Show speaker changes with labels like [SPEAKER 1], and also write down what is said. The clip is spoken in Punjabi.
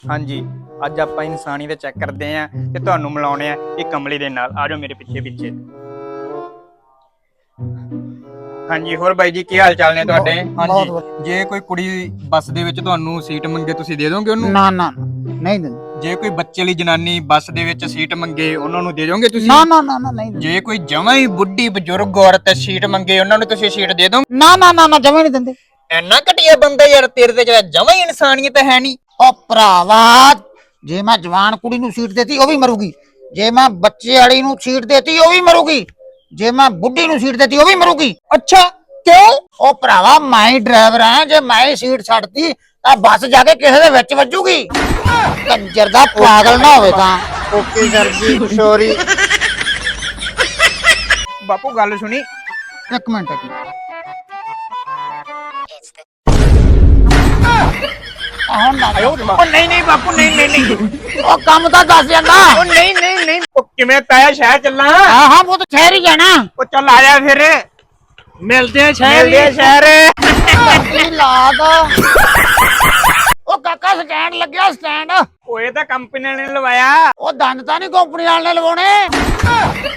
[SPEAKER 1] ਹਾਂਜੀ, ਅੱਜ ਆਪਾਂ ਇਨਸਾਨੀਅਤ ਚੈੱਕ ਕਰਦੇ ਆਂ ਤੇ ਤੁਹਾਨੂੰ ਮਿਲਾਉਣੇ ਆ ਇਹ ਕਮਲੀ ਦੇ ਨਾਲ। ਆ ਜਾਓ ਮੇਰੇ ਪਿੱਛੇ ਪਿੱਛੇ। ਹਾਂਜੀ, ਹੋਰ ਬਾਈ ਜੀ ਕੀ ਹਾਲ ਚਾਲ ਨੇ ਤੁਹਾਡੇ? ਹਾਂਜੀ, ਜੇ ਕੋਈ ਕੁੜੀ ਬੱਸ ਦੇ ਵਿੱਚ ਤੁਹਾਨੂੰ ਸੀਟ ਮੰਗੇ ਤੁਸੀਂ ਦੇ ਦੋਗੇ ਉਹਨੂੰ?
[SPEAKER 2] ਨਾ ਨਾ ਨਹੀਂ ਦਿੰਦੇ।
[SPEAKER 1] ਜੇ ਕੋਈ ਬੱਚੇ ਲਈ ਜਨਾਨੀ ਬੱਸ ਦੇ ਵਿੱਚ ਸੀਟ ਮੰਗੇ ਉਹਨਾਂ ਨੂੰ ਦੇ ਦੋਗੇ ਤੁਸੀਂ?
[SPEAKER 2] ਨਾ ਨਾ ਨਾ ਨਾ ਨਹੀਂ ਦਿੰਦੇ।
[SPEAKER 1] ਜੇ ਕੋਈ ਜਮਾਂ ਹੀ ਬੁੱਢੀ ਬਜ਼ੁਰਗ ਔਰਤ ਸੀਟ ਮੰਗੇ ਉਹਨਾਂ ਨੂੰ ਤੁਸੀਂ ਸੀਟ ਦੇ ਦੋਗੇ?
[SPEAKER 2] ਨਾ ਨਾ ਨਾ ਨਾ ਜਮੇ ਨਹੀਂ ਦਿੰਦੇ।
[SPEAKER 1] ਇੰਨਾ ਘਟੀਆ ਬੰਦਾ ਯਾਰ, ਤੇਰੇ ਤੇ ਜਮਾਂ ਹੀ ਇਨਸਾਨੀਅਤ ਹੈ ਨਹੀਂ।
[SPEAKER 2] ਉਹ ਭਰਾਵਾ, ਜੇ ਮੈਂ ਜਵਾਨ ਕੁੜੀ ਨੂੰ ਸੀਟ ਦੇਤੀ ਉਹ ਵੀ ਮਰੂਗੀ, ਜੇ ਮੈਂ ਬੱਚੇ ਵਾਲੀ ਨੂੰ ਸੀਟ ਦੇਤੀ ਉਹ ਵੀ ਮਰੂਗੀ, ਜੇ ਮੈਂ ਬੁੱਢੀ ਨੂੰ ਸੀਟ ਦੇਤੀ ਉਹ ਵੀ ਮਰੂਗੀ।
[SPEAKER 1] ਅੱਛਾ, ਕਿਉਂ?
[SPEAKER 2] ਉਹ ਭਰਾਵਾ ਮੈਂ ਹੀ ਡਰਾਈਵਰ ਹਾਂ, ਜੇ ਮੈਂ ਹੀ ਸੀਟ ਛੱਡਤੀ ਤਾਂ ਬੱਸ ਜਾ ਕੇ ਕਿਸੇ ਦੇ ਵਿੱਚ ਵੱਜੂਗੀ। ਕੰਜਰ ਦਾ ਪਾਗਲ ਨਾ ਹੋਵੇ ਤਾਂ।
[SPEAKER 1] Okay sir ji, sorry. ਬਾਪੂ ਗੱਲ ਸੁਣੀ।
[SPEAKER 2] ਇੱਕ ਮਿੰਟ ਹੁਣ ਨਾ
[SPEAKER 1] ਉਹ ਨਹੀਂ ਨਹੀਂ ਬਾਪੂ, ਨਹੀਂ ਨਹੀਂ ਨਹੀਂ।
[SPEAKER 2] ਉਹ ਕੰਮ ਤਾਂ ਦੱਸ ਜਾਂਦਾ।
[SPEAKER 1] ਉਹ ਨਹੀਂ ਨਹੀਂ ਨਹੀਂ। ਉਹ ਕਿਵੇਂ ਤਾਇਆ ਸ਼ਹਿਰ ਚੱਲਾਂ?
[SPEAKER 2] ਹਾਂ ਹਾਂ ਉਹ ਤਾਂ ਸ਼ਹਿਰ ਹੀ ਜਾਣਾ।
[SPEAKER 1] ਉਹ ਚੱਲ ਆ ਜਾ ਫਿਰ, ਮਿਲਦੇ ਆ ਸ਼ਹਿਰ। ਮਿਲਦੇ ਆ ਸ਼ਹਿਰ।
[SPEAKER 2] ਲਾਦ ਉਹ ਕਾਕਾ ਸਟੈਂਡ ਲੱਗਿਆ, ਸਟੈਂਡ।
[SPEAKER 1] ਉਹ ਇਹ ਤਾਂ ਕੰਪਨੀ ਨੇ ਲਵਾਇਆ।
[SPEAKER 2] ਉਹ ਦੰਦ ਤਾਂ ਨਹੀਂ ਕੰਪਨੀ ਵਾਲੇ ਨੇ ਲਵਾਉਣੇ।